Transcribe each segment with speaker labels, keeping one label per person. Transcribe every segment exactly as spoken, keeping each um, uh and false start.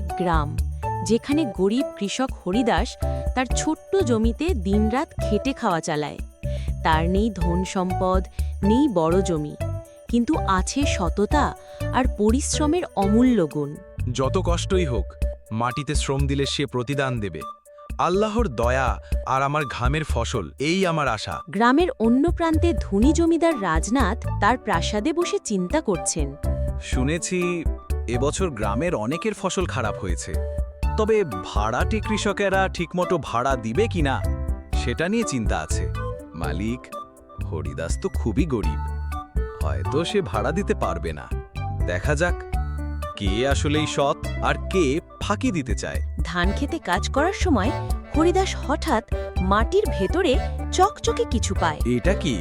Speaker 1: এক গ্রাম, যেখানে গরিব কৃষক হরিদাস তার ছোট্ট জমিতে দিনরাত খেটে খাওয়া চালায়। তার নেই ধন সম্পদ, নেই বড় জমি, কিন্তু আছে সততা আর পরিশ্রমের অমূল্য গুণ।
Speaker 2: যত কষ্টই হোক, মাটিতে শ্রম দিলে সে প্রতিদান দেবে। আল্লাহর দয়া আর আমার ঘামের ফসল, এই আমার আশা।
Speaker 1: গ্রামের অন্য প্রান্তে ধনী জমিদার রাজনাথ তার প্রাসাদে বসে চিন্তা করছেন।
Speaker 3: শুনেছি এবছর গ্রামের অনেকের ফসল খারাপ হয়েছে, তবে ভাড়াটে কৃষকেরা ঠিকমতো ভাড়া দিবে কিনা সেটা নিয়ে চিন্তা আছে। মালিক, হরিদাস তো খুবই গরিব, হয়তো সে ভাড়া দিতে পারবে না। দেখা যাক কে আসলেই সৎ আর কে ফাঁকি দিতে চায়।
Speaker 1: ধান খেতে কাজ করার সময় হরিদাস হঠাৎ মাটির ভেতরে চকচকে কিছু পায়।
Speaker 3: এটা কি?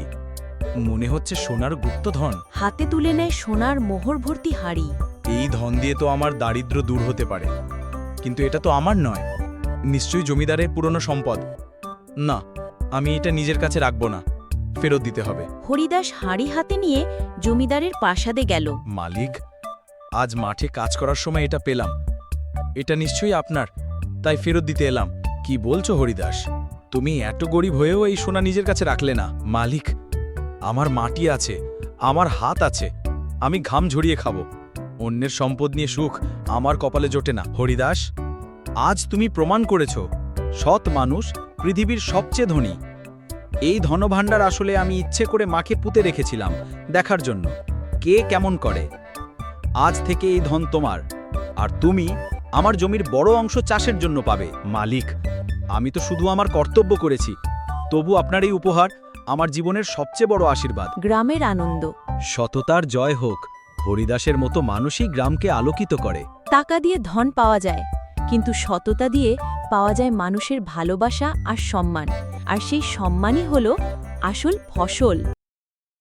Speaker 3: মনে হচ্ছে সোনার গুপ্তধন।
Speaker 1: হাতে তুলে নেয় সোনার মোহর ভর্তি হাড়ি।
Speaker 2: এই ধন দিয়ে তো আমার দারিদ্র্য দূর হতে পারে, কিন্তু এটা তো আমার নয়, নিশ্চয়ই জমিদারের পুরনো সম্পদ। না, আমি এটা নিজের কাছে রাখব না, ফেরত দিতে হবে।
Speaker 1: হরিদাস হাড়ি হাতে নিয়ে জমিদারের প্রাসাদে গেল।
Speaker 2: মালিক, আজ মাঠে কাজ করার সময় এটা পেলাম, এটা নিশ্চয়ই আপনার, তাই ফেরত দিতে এলাম। কি বলছো হরিদাস? তুমি এত গরিব হয়েও এই সোনা নিজের কাছে রাখলে না? মালিক, আমার মাটি আছে, আমার হাত আছে, আমি ঘাম ঝরিয়ে খাবো। অন্যের সম্পদ নিয়ে সুখ আমার কপালে জোটে না। হরিদাস, আজ তুমি প্রমাণ করেছ সৎ মানুষ পৃথিবীর সবচেয়ে ধনী। এই ধনভাণ্ডার আসলে আমি ইচ্ছে করে মাকে পুঁতে রেখেছিলাম, দেখার জন্য কে কেমন করে। আজ থেকে এই ধন তোমার, আর তুমি আমার জমির বড় অংশ চাষের জন্য পাবে। মালিক, আমি তো শুধু আমার কর্তব্য করেছি, তবু আপনার এই উপহার আমার জীবনের সবচেয়ে বড় আশীর্বাদ।
Speaker 1: গ্রামের আনন্দ।
Speaker 3: সততার জয় হোক। হরিদাসের মতো মানুষই গ্রামকে আলোকিত করে।
Speaker 1: টাকা দিয়ে ধন পাওয়া যায়, কিন্তু সততা দিয়ে পাওয়া যায় মানুষের ভালোবাসা আর সম্মান, আর সেই সম্মানই হলো আসল ফসল।